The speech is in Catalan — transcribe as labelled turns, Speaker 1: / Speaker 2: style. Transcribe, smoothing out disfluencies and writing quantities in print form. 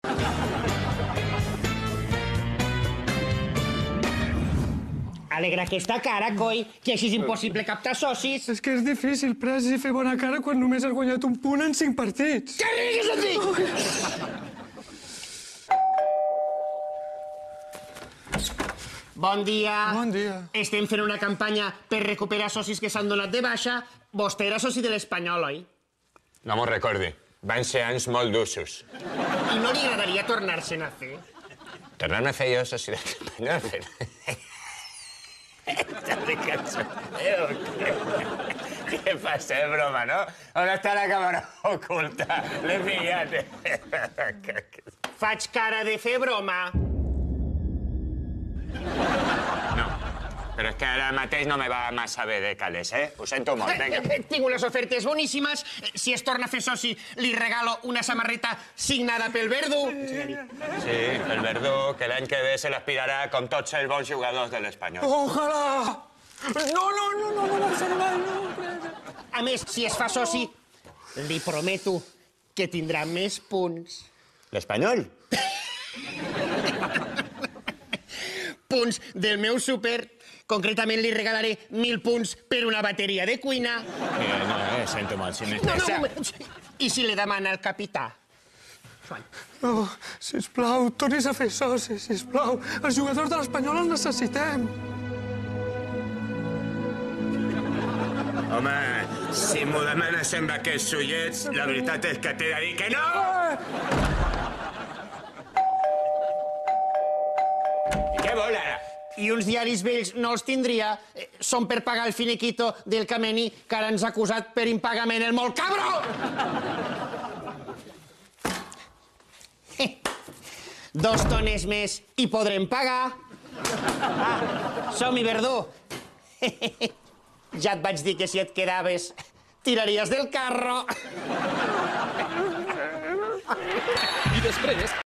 Speaker 1: Alegra aquesta cara, coi, que així és impossible captar socis.
Speaker 2: És que és difícil, Pres, i fer bona cara quan només has guanyat un punt en 5 partits.
Speaker 1: Què rigues a dir? Bon dia.
Speaker 2: Bon dia.
Speaker 1: Estem fent una campanya per recuperar socis que s'han donat de baixa. Vostè era soci de l'Espanyol, oi?
Speaker 3: No m'ho recordi. Van ser anys molt d'usos.
Speaker 1: I no li agradaria tornar-se'n a fer?
Speaker 3: Tornar-me a fer jo soci de l'Espanyol. Estàs de cachondeo. Què passa, broma, no? On està la càmera oculta? L'he pillat.
Speaker 1: Faig cara de fer broma.
Speaker 3: No, però és que ara mateix no me va massa bé de calés, eh? Ho sento molt, vinga.
Speaker 1: Tinc unes ofertes boníssimes. Si es torna a fer soci, li regalo una samarreta signada pel Verdú.
Speaker 3: Sí, el Verdú, que l'any que ve se l'aspirarà com tots els bons jugadors de l'Espanyol.
Speaker 2: Ojalà! No,
Speaker 1: A més, si es fa soci, li prometo que tindrà més punts.
Speaker 3: L'Espanyol?
Speaker 1: Punts del meu súper. Concretament li regalaré 1.000 punts per una bateria de cuina.
Speaker 3: No, sento molt, si
Speaker 1: No. I si li demana el capità?
Speaker 2: No, sisplau, tornis a fer soci, sisplau. Els jugadors de l'Espanyol els necessitem.
Speaker 3: Home, si m'ho demanes amb aquests ullets, la veritat és que t'he de dir que no! Què vol, ara?
Speaker 1: I uns diaris vells no els tindria. Són per pagar el finiquito del Cameni, que ara ens ha acusat per impagament el molt cabró! 2 tones més i podrem pagar. Som-hi, Verdú. Ja et vaig dir que si et quedaves tiraries del carro.
Speaker 4: I després